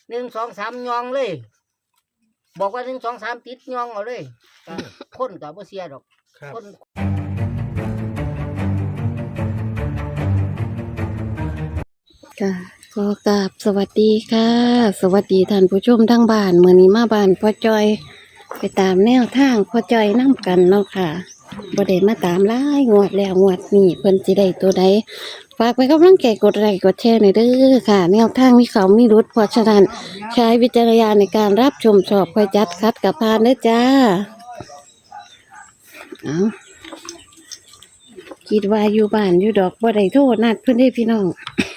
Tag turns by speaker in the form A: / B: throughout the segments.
A: 1 2 3ยองเลยบอกว่า1 2 3ติดยองเอาเลยก็คนก็บ่เสียดอกคน
B: ค่ะขอกราบสวัสดีค่ะ สวัสดีท่านผู้ชมทั้งบ้านมื้อนี้มาบ้านพ่อจอยไปตามแนวทางพ่อจอยนํกันเนาะค่ะบ่ได้มาตามหลายงวดแล้วงวดนี้เพิ่นสิได้ตัวใดฝากไปกำลังใจกดไลค์กดแชร์หน่อยเด้อค่ะ แนวทางมีเขามีรุดเพราะฉะนั้นใช้วิจารณญาณในการรับชมชอบค่อยจัดคัดกับพานเด้อจ้าเอาคิดว่าอยู่บ้านอยู่ดอกบ่ได้โทษนัดเพิ่นเด้พี่น้อง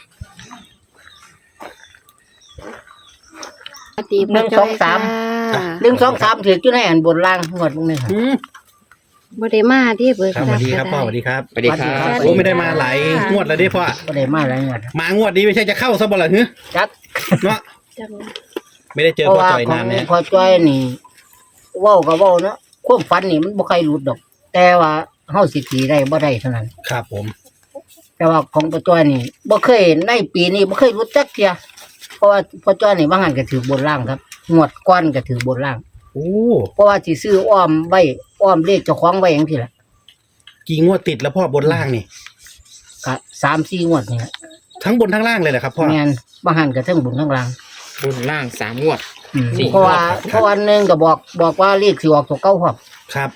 A: 1 2 3 1 2 3ถืออยู่ในอันบนล่างงวดมึงนี่ครับ
B: บ่ได้มาที่เบิก
C: ครับสวัสดีครับพ่อสวัสดีครับ
A: สวัสดีครับ
C: โอ้ไม่ได้มาหลายงวดแล้วดิพ่อ
A: บ่ได้มาหลายงวด
C: มางวดนี้ไม่ใช่จะเข้าซะบ่ล่ะฮึ
A: จัก
C: เนาะ
B: จัง
C: ไม่ได้เจอ
A: เพราะ
C: พ่อ
A: ว่า
C: จ่อย
A: ขอน
C: าน
A: ง
C: เนี่ย
A: พอจ้อยนี่เว้าก็เว้าเนาะความฝันนี่มันบ่ใครหลุดดอก แต่ว่าเฮาสิตีได้บ่ได้เท่านั้น
C: ครับผม
A: แต่ว่าของพ่อจ้อยนี่บ่เคยในปีนี้บ่เคยรู้จักเที่ยเพราะว่าพ่อจ้อยนี่บางหันก็ถือบนล่างครับงวดก่อนก็ถือบนล่าง
C: โอ้
A: เพราะว่าสิซื้ออ้อมไว้อ้อมเลขเจ้าของไว้จังซี่ล่ะ
C: กี่งวดติดแล้วพ่อบนล่างนี่
A: ก็3-4งวดนี่แหละ
C: ทั้งบนทั้งล่างเลยเหรอครับพ่อ
A: แม่นบางหันก็ทั้งบนทั้งล่าง
D: บนล่าง3 งวด สี่
A: เพราะว่าหนึงก็บอกว่าเลขสิออกตัวเก่าครับ
C: ครับ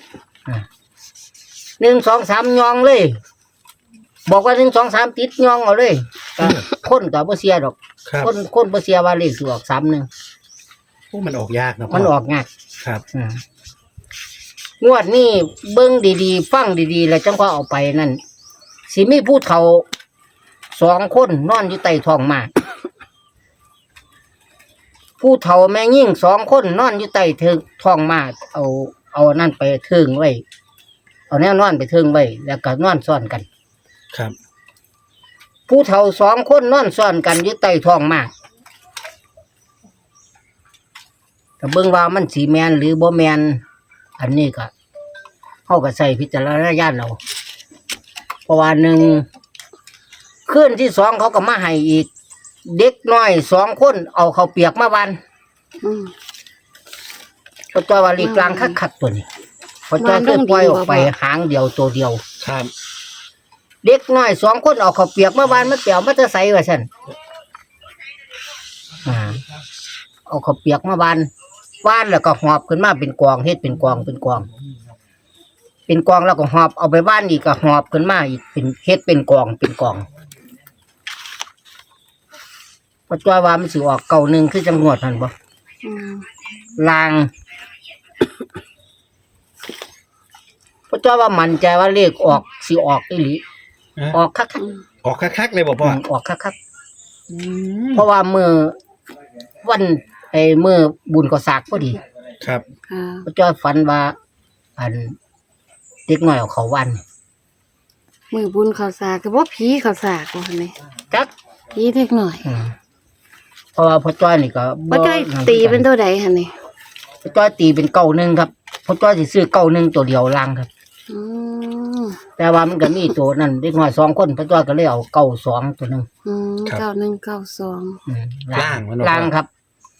A: 1 2 3ยองเลยบอกว่า1 2 3ติดยองเอาเลยก็คนก็บ่เสียดอก
C: ครับ
A: คนบ่เสียว่าเลขสิออก31
C: โอ้มันออกยากนะพ่
A: มันออกง่าย
C: ครับ
A: งวดนี้เบิ่งดีๆฟังดีๆแล้วจังว่าเอาไปนั่นสิมีผู้เฒ่า2 คนนอนอยู่ใต้ท้องหมากผู้เฒ่าแม่ยิ่ง2 คนนอนอยู่ใต้ท้องหมากเอานั่นไปเทิงไว้เอาแนวนอนไปเทิงไว้แล้วก็นอนซ้อนกัน
C: ครับ
A: ผู้เฒ่า2 คนนอนซ้อนกันอยู่ใต้ท้องหมากก็เบิ่งว่ามันสิแม่นหรือบ่แม่นอันนี้ก็เฮาก็ใส่พิจารณญาณเอาเพราะว่า1คืนที่2เขาก็มาให้อีก เด็กน้อย2 คนเอาข้าวเปียกมาวัน
B: อืม
A: เพราะตัวว่าลีกลางคักๆตัวนี้เพราะตัวเคยปล่อยออกไปหางเดียวตัวเดียว
C: ครับ
A: เด็กน้อย2 คนเอาข้าวเปียกมาวันมาเปียวมาจะใส่ว่าซั่นเอาข้าวเปียกมาวันแล้วก็หอบขึ้นมาเป็นกองเฮ็ดเป็นกองเป็นกองแล้วก็หอบเอาไปบ้านอีกก็หอบขึ้นมาอีกเป็นเฮ็ดเป็นกองเพราะตัวว่ามันสิออก91คือจังหวดนั่นบ่
B: อืม
A: ลางเพราะตัวว่ามั่นใจว่าเลขออกสิออกอีหลีออกคัก
C: ออกคักๆเลยบอกพ่อ
A: ออกคักๆเพราะว่าวันมื้อบุญก็สากพอดี
C: ครับ
B: ค่ะ
A: เพราะตัวฝันว่าอันเด็กน้อยเอาเขาวัน
B: มือบุญข้าวสากก็บ่ผีข้าวสากว่าหั่นนี่
A: จัก
B: ผีเล็กหน่อย
A: เพราะว่าพ่อจ้อยนี่ก็
B: บ่จ้อยตีเป็นตัวใดหั่นนี่
A: พ่อจ้อยตีเป็น91ครับพ่อจ้อยสิซื้อ91ตัวเดียวล่างครับ
B: อืม
A: แต่ว่ามันก็มีตัวนั้นเด็กน้อย2 คนพ่อจ้อยก็เลยเอา92ตัวหนึง
B: อืม9192
A: ล่างครับ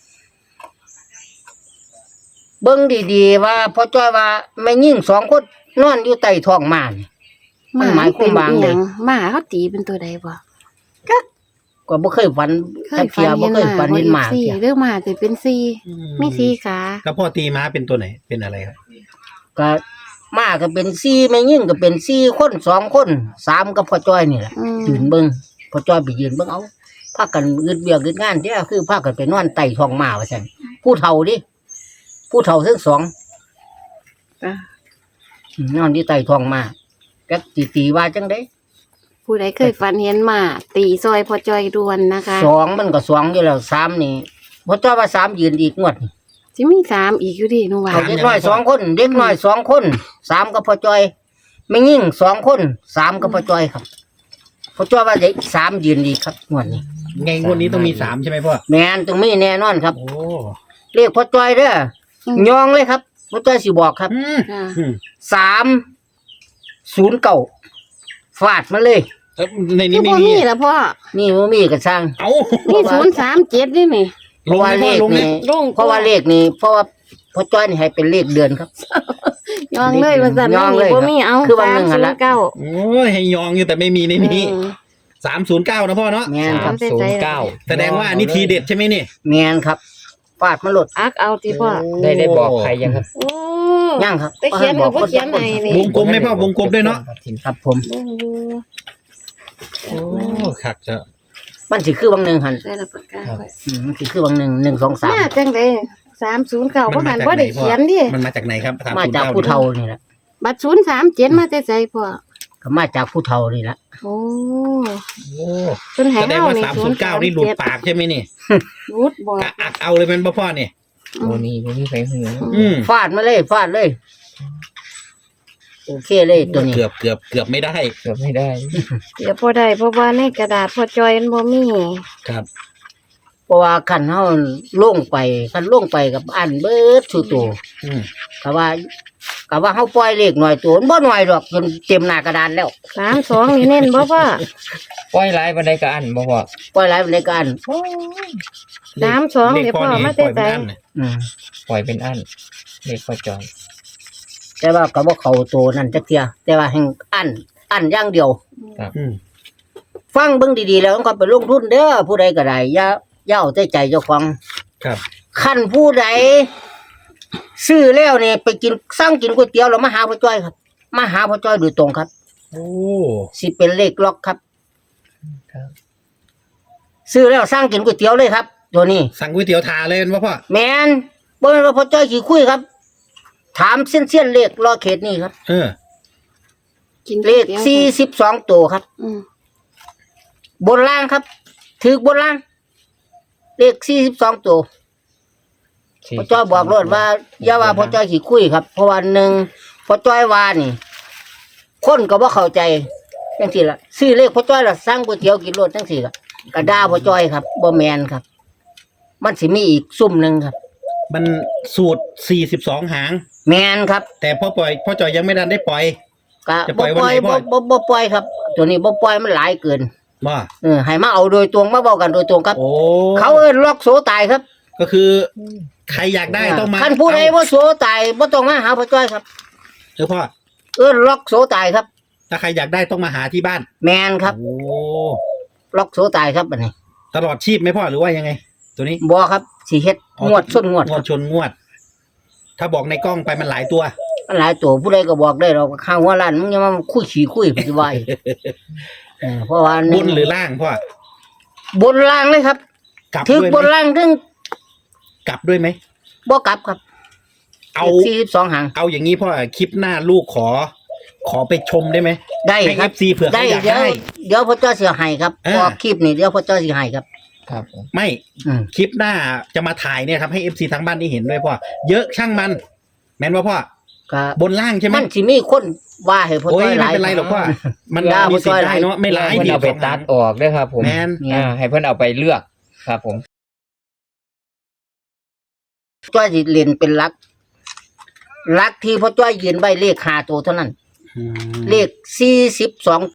A: เบิ่งดีๆว่าพ่อจ้อยว่าแม่ยิ่ง2 คนนอนอยู่ใต้ท้องหมานี่ มันหมายความว่าไง
B: หมาเขาตีเป็นตัวใดบ่
A: ก็บ่เคยฝันจักเที่ยบ่เคยฝันเห็นหมา
B: สี่
A: เที่ย
B: เรื่องหมาจะเป็นสี่มีสี่ขา
C: แล้วพ่อตีม้าเป็นตัวไหนเป็นอะไรครับ
A: ก็หมาก็เป็น4แม่ยิ่งก็เป็น4 คน2 คน3กับพ่อจ้อยนี่แหละ ยืนเบิ่งพ่อจ้อยไปยืนเบิ่งเอาพากันอึดเวียกอึดงานเด้อคือพากันไปนอนใต้ท้องหมาว่าซั่นผู้เฒ่าดิผู้เฒ่าทั้งสอง
B: อ่ะ
A: นอนอยู่ใต้ท้องหมาจักสิตีว่าจังได๋
B: ผู้ใดเคยฝันเห็นหมาตีซอยพอจอยดวนนะคะ
A: 2มันก็2อยู่แล้ว3นี่พ่อจ้อยว่า3ยืนอีกงวดนี่
B: สิมีสามอีกอยู่ดิหนูว่า
A: เอาเด็กน้อย2 คนเด็กน้อย2 คน3กับพ่อจ้อยแม่ยิ่ง2 คน3กับพ่อจ้อยครับพ่อจ้อยว่าเด็ก3ยืนอีกครับงวดนี้
C: ไงงวดนี้ต้องมี3ใช่ไหมพ่อ
A: แม่นต้องมีแน่นอนครับ
C: โอ้
A: เรียกพ่อจ้อยเด้อยองเลยครับพ่อจ้อยสิบอกครับ
B: ค่ะ
A: 309ฟาดมาเลย
C: แล้วใน
B: คื
C: นี้
B: อ
C: ไม่
B: บ่
C: มี
B: มีล่ะพ่อ
A: นี่บ่มีก็สร้าง
C: เอ้า
B: มี037นี่นี่
C: ลงไหมพ่อลงไหม
B: ลง
A: เพราะว่าเลขนี้เพราะว่าพ่อจ้อยนี่ให้เป็นเลขเดือนครับ
B: ยองเลยว่าสั่น
A: ยองเลย
B: บ่มีเอา
A: คือวันหนึ่งหั่นละ
B: 309
C: โอ้ยให้ยองอยู่แต่ไม่มีในนี้309นะพ่อเนาะ
A: แม่นครับ
D: 309
C: แสดงว่าอันนี้ทีเด็ดใช่ไหมนี่
A: แม่นครับฟาดมาหลด
B: อักเอาติพ่อ
D: ได้บอกใครยังครับ
B: โอ้
A: ยังครับ
B: แต่เขียนก็บ่เขียนให้นี่
C: วงกลมไหมพ่อวงกลมด้วยเนาะ
A: ครับผม
B: เบิ่งอยู่
C: โอ้คักจะ
A: มันสิคือบางหนึ่งหัน
B: ได้ละปากกาไว้
A: มันสิคือบางหนึ่ง1 2 3
B: มาจังได๋309บ่หันบ่ได้เขียนดิ
C: มันมาจากไหนครับ
A: มาจากผู้เฒ่านี่แหละ
B: บัตร037มาแต่ไสพ่อ
A: ก็มาจากผู้เฒ่านี่แหละ
B: โอ้
C: โอ้
B: เพิ่นให้
C: แสดง
B: เฮา
C: ว่า
B: นี่
C: 309นี่หลุดปากใช่ไหมนี่
B: หลุดบ่
C: กะอักเอาเลยเป็นพ่อเนี่ย
D: โอ้นี่ไม่มีใครหือ
A: ฟาดมาเลยฟาดเลยโอเคเลยตัวนี้
C: เกือบไม่ได้
D: เกือบไม่ได้
B: เดี๋ยวพอได้เพราะว่าในกระดาษพอจอยมันบ่มี
C: ครับ
A: เพราะว่าคันเฮาลงไปคันลงไปกับอันเบิดสู่ตัว
C: อืม
A: ก็ว่าเฮาปล่อยเลขหน่อยตัวมันบ่หน่อยดอกจนเต็มหน้ากระดานแล้ว
B: 32นี่เน้นบ่พ่อ
D: ปล่อยไลฟ์บันไดก็อันบ่พ่อ
A: ปล่อยหลายปานใดก็อัน
B: 32เดี๋ยวพ่อมาแต่ไส
A: อืม
D: ปล่อยเป็นอันเลขพ่อจอย
A: แต่ว่าก็บ่เข้าตัวนั่นจักเที่ยแต่ว่าแห่งอันอย่างเดียว
C: อืม
A: ฟังเบิ่งดีๆแล้วก็ไปลงทุนเด้อผู้ใดก็ได้อย่าเอาแต่ใจเจ้าของ
C: ครับ
A: คันผู้ใดซื้อแล้วนี่ไปกินสั่งกินก๋วยเตี๋ยวแล้วมาหาพ่อจ้อยครับมาหาพ่อจ้อยโดยตรงครับ
C: โอ้
A: สิเป็นเลขล็อกครับ
D: ครับ
A: ซื้อแล้วสั่งกินก๋วยเตี๋ยวเลยครับ ตัวนี้
C: สั่งก๋วยเตี๋ยวทาเลยเป็นพ่อ
A: แม่นบ่แม่นว่าพ่อจ้อยขี้คุยครับ ถามเส้นๆเลขรอเขตนี่ครับ
C: เออ
B: กิน
A: เลข42ตัวครับ
B: อืม
A: บนล่างครับถือบนล่าง เลข42ตัวพ่อจ้อยบอกรถว่าอย่าว่าพ่อจ้อยขี้คุยครับ เพราะว่าหนึ่งพ่อจ้อยว่านี่ คนก็บ่เข้าใจจังซี่ล่ะซื้อเลขพ่อจ้อยล่ะสั่งก๋วยเตี๋ยวกินรถจังซี่ล่ะก็ด่าพ่อจ้อยครับบ่แม่นครับ มันสิมีอีกซุ่มหนึงครับ
C: มันสูตร42หาง
A: แม่นครับ
C: แต่พ่อจอยยังไม่ทันได้ปล่อย
A: ก็
C: จะปล่อยวันไหนพ่อ
A: บ่ปล่อยครับ ตัวนี้บ่ปล่อยมันหลายเกิน
C: ว่า
A: ให้มาเอาโดยตรงมาเว้ากันโดยตรงครับ
C: โอ้
A: เขาเอิ้นล็อกโสตายครับ
C: ก็คือใครอยากได้ต้องมา
A: คันผู้ใดบ่โสตายบ่ต้องมาหาพ่อจ้อยครับ
C: พ่อ
A: เอิ้นล็อกโสตายครับ
C: ถ้าใครอยากได้ต้องมาหาที่บ้าน
A: แม่นครับ
C: โอ้
A: ล็อกโสตายครับบัดนี้
C: ตลอดชีพไหมพ่อหรือว่ายังไง ตัวนี้
A: บ่ครับสิเฮ็ดงวดส้นงวด
C: งวดชนงวด ถ้าบอกในกล้องไปมันหลายตัว
A: มันหลายตัวผู้ใดก็บอกได้เราข้างหัวล้านมึงอย่ามาคุยขี้คุยปัจจุบันเพราะว่า
C: บนหรือล่างพ่อบ
A: นล่างเลยครับ
C: กลับ
A: ถึง
C: ด้วย
A: บน
C: ไหม
A: ล่างถึง
C: กลับด้วยไหม
A: บ่กลับครับ
C: เอา
A: 42หาง
C: เอาอย่างนี้พ่อคลิปหน้าลูกขอไปชมได้ไหม
A: ได้
C: ให้
A: ครับ
C: FC เผื่อ
A: ได้
C: เขาอยาก
A: เดี๋ยว
C: ได้
A: เดี๋ยวพ่อจ้อยสิให้ครับ
C: อ่า
A: ออกคลิปนี่เดี๋ยวพ่อจ้อยสิให้ครับ
D: ครับผม
C: ไม่
A: อืม
C: คลิปหน้าจะมาถ่ายเนี่ยครับให้ FC ทั้งบ้านได้เห็นด้วยพ่อเยอะช่างมัน แม่นว่าพ่อ
A: ก็
C: บนล่างใช่ไหม
A: มันสิมีคนว่าให้พ่อ
C: โอ้ย
A: จ้อยห
C: ไม่
A: ลาย
C: เป็นไรหรอกพ่อมัน
A: ด่า
C: มี
A: พ่อ
C: สิ
A: จ้
C: ท
A: อย
C: ธิ์ได้เนาะไม่ร้าย
D: ให้เพิ่น
C: ดี
D: เอาไปตัดออกด้วยครับผม
C: แมน
D: ให้เพิ่นเอาไปเลือกครับผม
A: จ้อยสิเรียนเป็นหลักที่พ่อจ้อยยืนไว้เลข5ตัวเท่านั้น
C: อืม
A: เลข42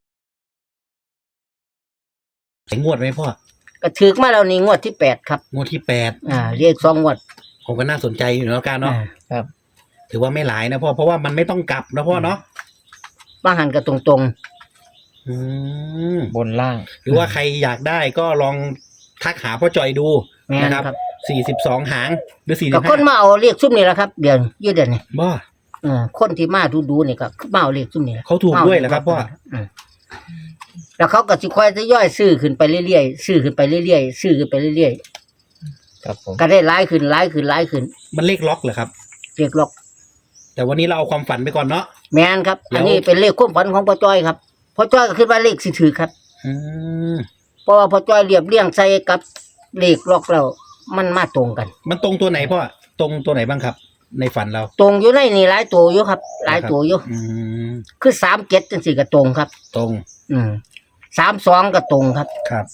C: งวดไหมพ่อ
A: ก็ถึกมาแล้วนี่งวดที่8ครับ
C: งวดที่8
A: เลข2งวด
C: ผมก็น่าสนใจอยู่แล้วกันเนาะ
A: อ่า
C: ถือว่าไม่หลายนะพ่อเพราะว่ามันไม่ต้องกลับนะพ่อเนาะ
A: บางหันก็ตรง
C: อืม
D: บนล่าง
C: หรือว่าใครอยากได้ก็ลองทักหาพ่อจอยดู
A: ๆแม่น
C: นะครับ
A: ครับ
C: 42หางหรือ
A: ก็คน
C: 45
A: มาเอาเลขซุ่มนี่แหละครับเดี๋ยวยืดเดี๋ยวนี้
C: บ่
A: คนที่มาดูนี่ก็มาเอาเลขซุ่มนี่แหละ
C: เขาถูกด้วยเหรอครับพ่อ
A: มแล้วเขาก็สิค่อยจะย่อยซื้อขึ้นไปเรื่อยๆซื้อขึ้นไปเรื่อยๆซื้อขึ้นไปเรื่อย
D: ครับผม
A: ๆก็ได้หลายขึ้นหลายขึ้นหลายขึ้น
C: มันเลขล็อกเหรอครับ
A: เรียกล็อก
C: แต่วันนี้เราเอาความฝันไปก่อนเนาะ
A: แม่นครับ อันนี้เป็นเลขความฝันของพ่อจ้อยครับพ่อจ้อยก็คิดว่าเลขสิถือครับ
C: อืม
A: เพราะว่าพ่อจ้อยเรียบเรียงใส่กับเลขล็อกแล้วมันมาตรงกัน
C: มันตรงตัวไหนพ่อตรงตัวไหนบ้างครับ ในฝันเรา
A: ตรงอยู่ในนี่หลายตัวอยู่ครับ หลายตัวอยู่
C: อืม
A: คือ37จังซี่ก็ตรงครับ
C: ตรง
A: 32ก็ตรงครับ
C: ครับ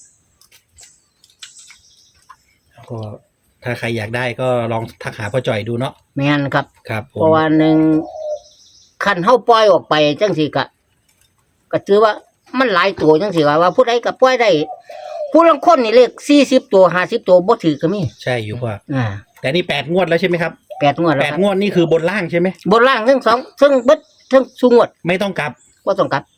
C: ก็ถ้าใครอยากได้ก็ลองทักหาพ่อจอยดูเนาะ
A: แม่นครับ
C: ครับผม
A: เพราะว่าหนึ่งคันเฮาปล่อยออกไปจังซี่ก็ถือว่ามันหลายตัวจังซี่ว่าผู้ใดก็ปล่อยได้ผู้ลางคนนี่เลข40ตัว50ตัวบ่ถือก็มี
C: ใช่อยู่พ่อ
A: อ่า
C: แต่นี่8 งวดแล้วใช่ไหมครับ
A: 8งวดแล้ว
C: แปด
A: ครับ
C: งวดนี่คือบนล่างใช่ไหม
A: บนล่างทั้งสองทั้งเบิดทั้งสูงวด
C: ไม่ต้องกลับ
A: บ่ต้องกลับ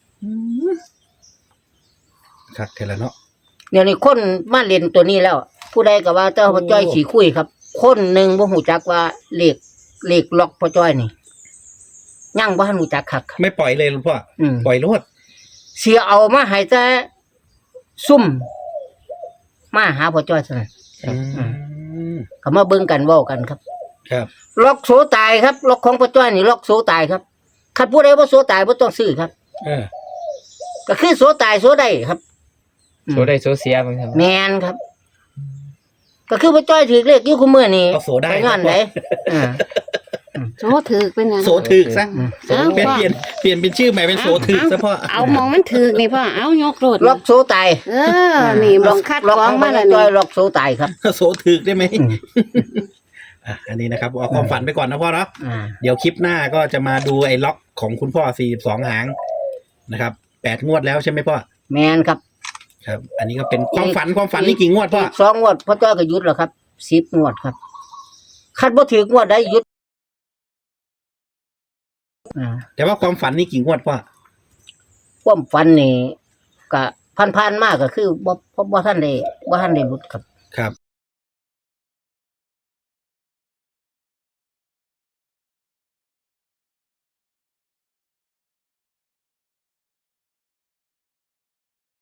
C: ครับเทละเนาะ
A: เดี๋ยวนี้คนมาเล่นตัวนี้แล้ว ผู้ใดก็ว่าเจ้าพ่อจ้อยสีคุยครับ คนหนึ่งบ่ฮู้จักว่าเลขล็อกพ่อจ้อยนี่ยังบ่ทันรู้จักคักครับ
C: ไม่ปล่อยเลยหลวงพ่อ
A: อืม
C: ปล่อยรวด
A: เสียเอามาให้แต่ซุ่มมาหาพ่อจ้อยซั่นน
C: อืม
A: ก็มาเบิ่งกันเว้ากันครับ
C: ครับ
A: ล็อกโสตายครับล็อกของพ่อจ้อยนี่ล็อกโสตายครับคันผู้ใดบ่โสตายบ่ต้องซื้อครับ
C: เออ
A: ก็คือโสตายโสได้ครับ
D: โซได้โซเสียมั้งครับ
A: แมนครับ ก็คือพ่อจ้อยถือเลขอยู่คุมื้อนี่
C: เอาโสได้
A: ไปงานไหนอ่า
B: โซถือกเป็นหยัง
C: โสถึกซะ
B: เอ้า
C: เปลี่ยน
B: พ่อ
C: เปลี่ยนเป็นชื่อใหม่เป็นโสถึกซะพ่อ
B: เอามองมันถือกนี่พ่อเอายกโลด
A: ล็อกโสตาย
B: เออนี่มองคัด
A: ล็อก
B: กรอ
A: ข
B: ง
A: อง
B: มา
A: พ่อ
B: แล้ว
A: จ้
B: นี่
A: อยล็อกโสตายครับ
C: โสถึกได้ไหม
A: อืม
C: อันนี้นะครับเอาความฝันไปก่อนนะพ่อเนาะ
A: อ่า
C: เดี๋ยวคลิปหน้าก็จะมาดูไอ้ล็อกของคุณพ่อ42 หางนะครับ8 งวดแล้วใช่ไหมพ่อ
A: แมนครับ
C: ครับ อันนี้ก็เป็นความฝันนี่กี่งวดพ่อ
A: อีก2งวดพ่อจ้อยก็หยุดแล้วครับ10งวดครับคันบ่ถืองวดได้หยุดอ่า
C: แต่ว่าความฝันนี่กี่งวดพ่อ
A: ความฝันนี่ก็ผ่านๆมาก็คือบ่ทันได้หลุดครับ
C: ครับ